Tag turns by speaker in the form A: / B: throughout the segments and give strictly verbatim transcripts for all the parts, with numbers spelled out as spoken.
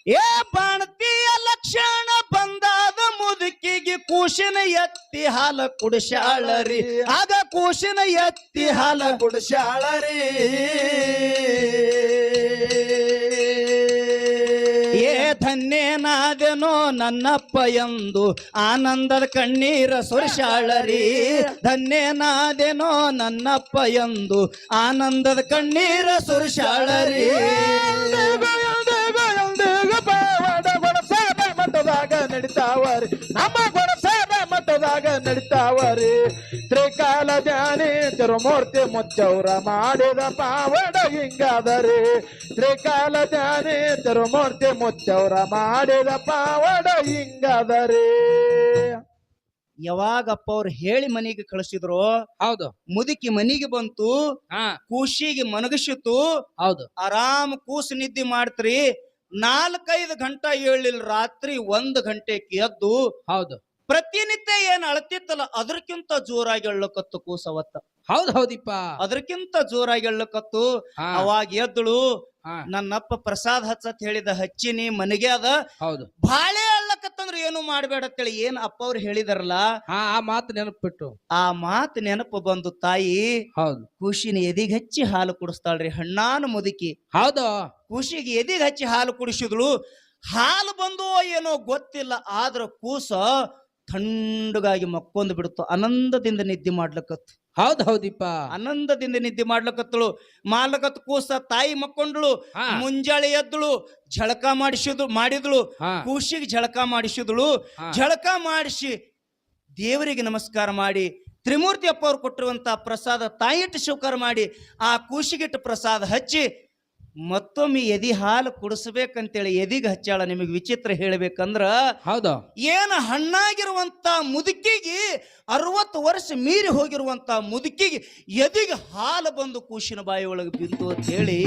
A: ಏ ಬಾಣತಿಯ ಲಕ್ಷಣ ಬಂದಾದ ಮುದುಕಿಗೆ ಕೂಶಿನ ಎತ್ತಿ ಹಾಲ ಕುಡಿಸಾಳರಿ ಆಗ ಕೂಶಿನ ಎತ್ತಿ ಹಾಲ
B: ಕುಡಿಸಾಳರಿ
A: ಏ ಧನ್ಯನಾದೆನೋ ನನ್ನಪ್ಪ ಎಂದು ಆನಂದದ ಕಣ್ಣೀರ ಸುರಿಸಾಳರಿ ಧನ್ಯನಾದೆನೋ ನನ್ನಪ್ಪ ಎಂದು ಆನಂದದ ಕಣ್ಣೀರ ಸುರಿಸಾಳರಿ
B: ಮಠದಾಗ ನಡಿತಾವರಿ ನಮ್ಮ ಗುಣಸಾಬ ಮಠದಾಗ ನಡಿತಾವರಿ ತ್ರಿಕಾಲ ಧ್ಯಾನಿ ತಿರುಮೂರ್ತಿ ಮುಚ್ಚೌರ ಮಾಡಿದ ಪಾವಡ ಹಿಂಗಾದರಿ ತ್ರಿಕಾಲ ಧ್ಯಾನಿ ತಿರುಮೂರ್ತಿ ಮುಚ್ಚೌರ ಮಾಡಿದ ಪಾವಡ ಹಿಂಗಾದರಿ
A: ಯಾವಾಗಪ್ಪ ಅವ್ರು ಹೇಳಿ ಮನೆಗೆ ಕಳಿಸಿದ್ರು
C: ಹೌದು
A: ಮುದುಕಿ ಮನಿಗೆ ಬಂತು
C: ಹಾ
A: ಕೂಸಿಗೆ ಮನಗಸಿತು
C: ಹೌದು
A: ಆರಾಮ್ ಕೂಸು ನಿದ್ದೆ ಮಾಡ್ತ್ರಿ ನಾಲ್ಕೈದು ಗಂಟೆ ಏಳಿಲ್ಲ ರಾತ್ರಿ ಒಂದ್ ಗಂಟೆಗೆ ಎದ್ದು
C: ಹೌದು
A: ಪ್ರತಿನಿತ್ಯ ಏನ್ ಅಳತಿತ್ತಲ್ಲ ಅದಕ್ಕಿಂತ ಜೋರಾಗಿ ಎಳ್ಳಕತ್ತು ಕೂಸವತ್ತ
C: ಹೌದ್ ಹೌದಿಪ್ಪ
A: ಅದಕ್ಕಿಂತ ಜೋರಾಗಿ ಎಳ್ಳಕತ್ತು
C: ಹಾ.
A: ಅವಾಗ ಎದ್ದಳು
C: ಹಾ.
A: ನನ್ನಪ್ಪ ಪ್ರಸಾದ್ ಹಚ್ಚತ್ ಹೇಳಿದ ಹಚ್ಚಿನಿ ಮನೆಗೆ ಅದ
C: ಹೌದು
A: ಬಾಳೆ ಅಳ್ಳಕತ್ತಂದ್ರ ಏನು ಮಾಡ್ಬೇಡ ಅಂತೇಳಿ ಏನ್ ಅಪ್ಪ ಅವ್ರು ಹೇಳಿದಾರಲ್ಲ
C: ಹಾ ಆ ಮಾತು ನೆನಪಿಟ್ಟು
A: ಆ ಮಾತು ನೆನಪು ಬಂದು ತಾಯಿ
C: ಹೌದು
A: ಖುಷಿನ ಎದಿಗೆ ಹಚ್ಚಿ ಹಾಲು ಕುಡಿಸ್ತಾಳ್ರಿ ಹಣ್ಣಾನು ಮುದುಕಿ
C: ಹೌದು
A: ಖುಷಿಗೆ ಎದಿಗೆ ಹಚ್ಚಿ ಹಾಲು ಕುಡಿಸಿದ್ಳು ಹಾಲು ಬಂದು ಏನೋ ಗೊತ್ತಿಲ್ಲ ಆದ್ರ ಕೂಸ ಥಂಡಗಾಗಿ ಮಕ್ಕೊಂದು ಬಿಡುತ್ತು ಆನಂದದಿಂದ ನಿದ್ದೆ ಮಾಡ್ಲಕತ್ತು
C: ಹೌದ್ ಹೌದಿಪ್ಪ
A: ಆನಂದದಿಂದ ನಿದ್ದೆ ಮಾಡ್ಲಕತ್ತಳು ಮಾಲಕತ್ ಕೂಸ ತಾಯಿ ಮಕ್ಕೊಂಡ್ಳು
C: ಹಾ.
A: ಮುಂಜಾಳೆ ಎದ್ದಳು ಝಳಕ ಮಾಡಿಸಿದ್ರು ಮಾಡಿದ್ಳು
C: ಹಾ.
A: ಕೂಸಿಗೆ ಝಳಕ ಮಾಡಿಸಿದಳು
C: ಹಾ.
A: ಝಳಕ ಮಾಡಿಸಿ ದೇವರಿಗೆ ನಮಸ್ಕಾರ ಮಾಡಿ ತ್ರಿಮೂರ್ತಿ ಅಪ್ಪ ಅವ್ರು ಕೊಟ್ಟಿರುವಂತ ಪ್ರಸಾದ ತಾಯಿಟ್ಟು ಸ್ವೀಕಾರ ಮಾಡಿ ಆ ಕೂಸಿಗಿಟ್ಟು ಪ್ರಸಾದ ಹಚ್ಚಿ ಮತ್ತೊಮ್ಮೆ ಎದಿ ಹಾಲು ಕುಡಿಸ್ಬೇಕಂತೇಳಿ ಎದಿಗೆ ಹಚ್ಚಾಳ ನಿಮಗೆ ವಿಚಿತ್ರ ಹೇಳ್ಬೇಕಂದ್ರ
C: ಹೌದು
A: ಏನ ಹಣ್ಣಾಗಿರುವಂತ ಮುದುಕಿಗೆ ಅರವತ್ತು ವರ್ಷ ಮೀರಿ ಹೋಗಿರುವಂತ ಮುದುಕಿಗೆ ಎದಿಗೆ ಹಾಲು ಬಂದು ಕೂಸಿನ ಬಾಯಿ ಒಳಗೆ ಬಿದ್ದು ಅಂತ ಹೇಳಿ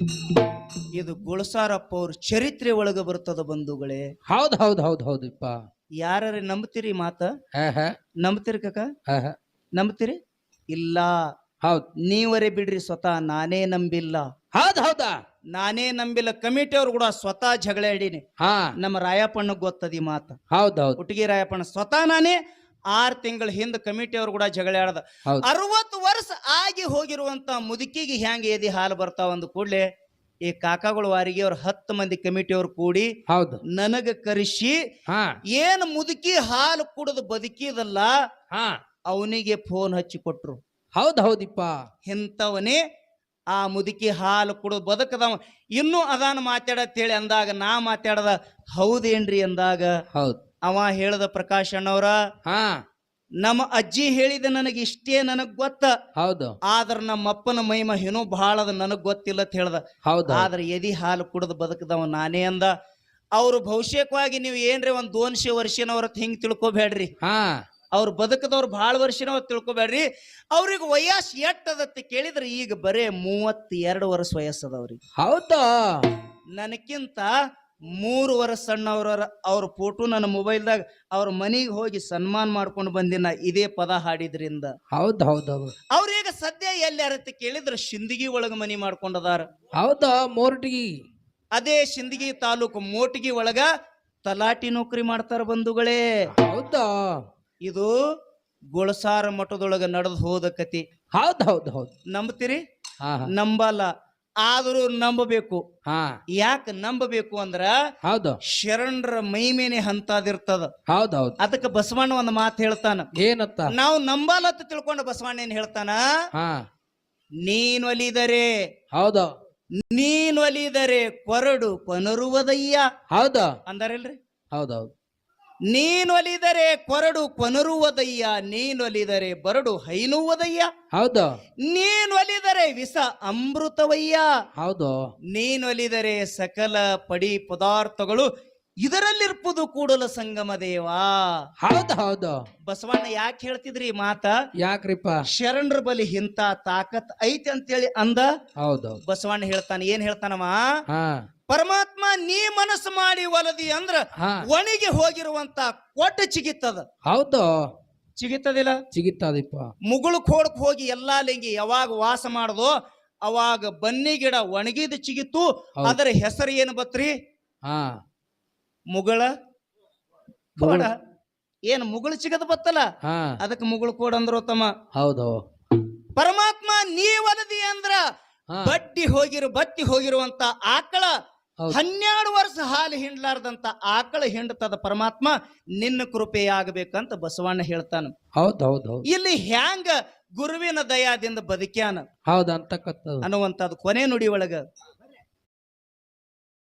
A: ಇದು ಗುಳಸಾರಪ್ಪ ಅವ್ರ ಚರಿತ್ರೆ ಒಳಗೆ ಬರ್ತದ ಬಂಧುಗಳೇ
C: ಹೌದ್ ಹೌದ್ ಹೌದ್ ಹೌದಿಪ್ಪ
A: ಯಾರ ನಂಬ್ತೀರಿ ಮಾತ
C: ಹಾ ಹಾ
A: ನಂಬ್ತೀರಿ ಕಕ್ಕ
C: ಹಾ ಹಾ
A: ನಂಬ್ತೀರಿ ಇಲ್ಲ
C: ಹೌದ್
A: ನೀವರೇ ಬಿಡ್ರಿ ಸ್ವತಃ ನಾನೇ ನಂಬಿಲ್ಲ
C: ಹೌದ್ ಹೌದಾ
A: ನಾನೇ ನಂಬಿಲ್ಲ ಕಮಿಟಿ ಅವ್ರು ಕೂಡ ಸ್ವತಃ ಜಗಳ ಆಡೀನಿ
C: ಹಾ
A: ನಮ್ಮ ರಾಯಪ್ಪಣ್ಣ ಗೊತ್ತದಿ ಮಾತ
C: ಹೌದ್ ಹೌದ್
A: ಹುಟ್ಟಿಗೆ ರಾಯಪ್ಪಣ್ಣ ಸ್ವತಃ ನಾನೇ ಆರ್ ತಿಂಗಳ ಹಿಂದ ಕಮಿಟಿ ಅವ್ರು ಕೂಡ ಜಗಳ ಆಡದ
C: ಹೌದ್
A: ಅರವತ್ತು ವರ್ಷ ಆಗಿ ಹೋಗಿರುವಂತ ಮುದುಕಿಗೆ ಹೆಂಗ ಎದಿ ಹಾಲು ಬರ್ತಾವ ಅಂದ ಕೂಡ್ಲೆ ಈ ಕಾಕಾಗಳ ವಾರಿಗೆ ಅವ್ರ ಹತ್ತು ಮಂದಿ ಕಮಿಟಿ ಅವ್ರು ಕೂಡಿ
C: ಹೌದು
A: ನನಗ ಕರೆಸಿ
C: ಹಾ
A: ಏನ್ ಮುದುಕಿ ಹಾಲು ಕುಡಿದು ಬದುಕಿದಲ್ಲ
C: ಹಾ
A: ಅವನಿಗೆ ಫೋನ್ ಹಚ್ಚಿ ಕೊಟ್ರು
C: ಹೌದ್ ಹೌದಿಪ್ಪ
A: ಇಂಥವನೇ ಆ ಮುದುಕಿ ಹಾಲು ಕುಡಿದು ಬದುಕದವ ಇನ್ನೂ ಅದಾನ ಮಾತಾಡತ್ ಹೇಳಿ ಅಂದಾಗ ನಾ ಮಾತಾಡದ ಹೌದೇನ್ರಿ ಅಂದಾಗ
C: ಹೌದ್
A: ಅವ ಹೇಳದ ಪ್ರಕಾಶ್ ಅಣ್ಣವ್ರ
C: ಹಾ
A: ನಮ್ಮ ಅಜ್ಜಿ ಹೇಳಿದ ನನಗೆ ಇಷ್ಟೇ ನನಗ್ ಗೊತ್ತ
C: ಹೌದು
A: ಆದ್ರ ನಮ್ಮ ಅಪ್ಪನ ಮೈಮ ಏನೋ ಬಹಳದ ನನಗ್ ಗೊತ್ತಿಲ್ಲ ಅಂತ ಹೇಳ್ದ
C: ಹೌದು
A: ಆದ್ರ ಎದಿ ಹಾಲು ಕುಡಿದು ಬದುಕದವ ನಾನೇ ಅಂದ ಅವ್ರು ಭವಿಷ್ಯಕ್ಕಾಗಿ ನೀವು ಏನ್ರಿ ಒಂದ್ ದೋನ್ಶೆ ವರ್ಷನವ್ರ ಹಿಂಗ್ ತಿಳ್ಕೊಬೇಡ್ರಿ
C: ಹಾ
A: ಅವ್ರು ಬದುಕದವ್ರು ಬಹಳ ವರ್ಷನವ್ರ ತಿಳ್ಕೊಬೇಡ್ರಿ ಅವ್ರಿಗೆ ವಯಸ್ಸು ಎಟ್ಟದತ್ತೆ ಕೇಳಿದ್ರೆ ಈಗ ಬರೇ ಮೂವತ್ತೆರಡು ವರ್ಷ ವಯಸ್ಸದವ್ರಿಗೆ
C: ಹೌದಾ
A: ನನಕ್ಕಿಂತ ಮೂರು ವರ್ಷ ಸಣ್ಣವ್ರ ಅವ್ರ ಫೋಟೋ ನನ್ನ ಮೊಬೈಲ್ದಾಗ ಅವ್ರ ಮನೆಗೆ ಹೋಗಿ ಸನ್ಮಾನ ಮಾಡ್ಕೊಂಡು ಬಂದಿನ ಇದೇ ಪದ ಹಾಡಿದ್ರಿಂದ
C: ಹೌದ್ ಹೌದ್ ಹೌದು
A: ಅವ್ರೀಗ ಸದ್ಯ ಎಲ್ಲಿ ಅರತ್ತೆ ಕೇಳಿದ್ರೆ ಶಿಂದಗಿ ಒಳಗ ಮನಿ ಮಾಡ್ಕೊಂಡದಾರ
C: ಹೌದಾ ಮೋರ್ಟಿಗಿ
A: ಅದೇ ಶಿಂದಗಿ ತಾಲೂಕು ಮೋಟಗಿ ಒಳಗ ತಲಾಟಿ ನೌಕರಿ ಮಾಡ್ತಾರ ಬಂಧುಗಳೇ
C: ಹೌದಾ
A: ಇದು ಗುಳಸಾರ ಮಠದೊಳಗ ನಡೆದು ಹೋದ ಕತಿ
C: ಹೌದ್ ಹೌದ್ ಹೌದ್
A: ನಂಬ್ತೀರಿ
C: ಹಾ ಹಾ
A: ನಂಬಲ್ಲ ಆದರೂ ನಂಬಬೇಕು
C: ಹಾ
A: ಯಾಕೆ ನಂಬಬೇಕು ಅಂದ್ರ
C: ಹೌದು
A: ಶರಣರ ಮೈಮೇನೆ ಹಂತಾದಿರ್ತದ
C: ಹೌದ್ ಹೌದ್
A: ಅದಕ್ಕೆ ಬಸವಣ್ಣ ಒಂದು ಮಾತು ಹೇಳ್ತಾನ
C: ಏನತ್ತ
A: ನಾವು ನಂಬಲ್ಲತ್ತ ತಿಳ್ಕೊಂಡು ಬಸವಣ್ಣ ಏನ್ ಹೇಳ್ತಾನ
C: ಹಾ
A: ನೀನ್ ಒಲಿದರೆ
C: ಹೌದು
A: ನೀನ್ ಒಲಿದರೆ ಕೊರಡು ಕೊನರುವುದಯ್ಯ
C: ಹೌದಾ
A: ಅಂದಾರಿಲ್ರಿ
C: ಹೌದೌದು
A: ನೀನೊಲಿದರೆ ಕೊರಡು ಕೊನರುವುದಯ್ಯ ನೀನೊಲಿದರೆ ಬರಡು ಹೈನುವುದಯ್ಯ
C: ಹೌದು
A: ನೀನೊಲಿದರೆ ವಿಷ ಅಮೃತವಯ್ಯ
C: ಹೌದು
A: ನೀನೊಲಿದರೆ ಸಕಲ ಪಡಿ ಪದಾರ್ಥಗಳು ಇದರಲ್ಲಿರ್ಪುದು ಕೂಡಲ ಸಂಗಮ ದೇವ
C: ಹೌದು ಹೌದು
A: ಬಸವಣ್ಣ ಯಾಕೆ ಹೇಳ್ತಿದ್ರಿ ಈ ಮಾತ
C: ಯಾಕ್ರಿಪ್ಪ
A: ಶರಣರ ಬಲಿ ಇಂತ ತಾಕತ್ ಐತಿ ಅಂತೇಳಿ ಅಂದ
C: ಹೌದೌದು
A: ಬಸವಣ್ಣ ಹೇಳ್ತಾನ ಏನ್ ಹೇಳ್ತಾನವ
C: ಹಾ
A: ಪರಮಾತ್ಮ ನೀ ಮನಸ್ಸು ಮಾಡಿ ಒಲದಿ ಅಂದ್ರ
C: ಹಾ
A: ಒಣಗಿ ಹೋಗಿರುವಂತ ಕೊಟ್ಟ ಚಿಗಿತ್ತದ
C: ಹೌದು
A: ಚಿಗಿತ್ತದಿಲ್ಲ
C: ಚಿಗಿತ್ತದಿಪ್ಪ
A: ಮುಗುಳು ಕೋಡಕ್ ಹೋಗಿ ಎಲ್ಲಾ ಲಿಂಗಿ ಯಾವಾಗ ವಾಸ ಮಾಡದೋ ಅವಾಗ ಬನ್ನಿ ಗಿಡ ಒಣಗಿದ ಚಿಗಿತ್ತು
C: ಹೌದು.
A: ಅದರ ಹೆಸರು ಏನು ಬತ್ರಿ
C: ಹಾ
A: ಮುಗಳ ಕೋಡ ಏನ್ ಮುಗಳು ಸಿಗದ ಬತ್ತಲ್ಲ
C: ಹಾ
A: ಅದಕ್ಕೆ ಮುಗಳು ಕೋಡ ಅಂದ್ರು ತಮ್ಮ.
C: ಹೌದು
A: ಪರಮಾತ್ಮ ನೀವಲದಿ ಅಂದ್ರ
C: ಹಾ
A: ಬಡ್ಡಿ ಹೋಗಿರು ಬತ್ತಿ ಹೋಗಿರುವಂತ ಆಕಳ
C: ಹೌದು.
A: ಹನ್ನೆರಡು ವರ್ಷ ಹಾಲು ಹಿಂಡ್ಲಾರ್ದಂತ ಆಕಳ ಹಿಂಡ್ತದ ಪರಮಾತ್ಮ ನಿನ್ನ ಕೃಪೆಯಾಗಬೇಕಂತ ಬಸವಣ್ಣ ಹೇಳ್ತಾನ.
C: ಹೌದು ಹೌದು ಹೌದು
A: ಇಲ್ಲಿ ಹ್ಯಾಂಗ ಗುರುವಿನ ದಯಾದಿಂದ ಬದುಕ್ಯಾನ
C: ಹೌದು ಅಂತಕ್ಕಂಥದ್ದು
A: ಅನ್ನುವಂಥದ್ದು ಕೊನೆ ನುಡಿ ಒಳಗ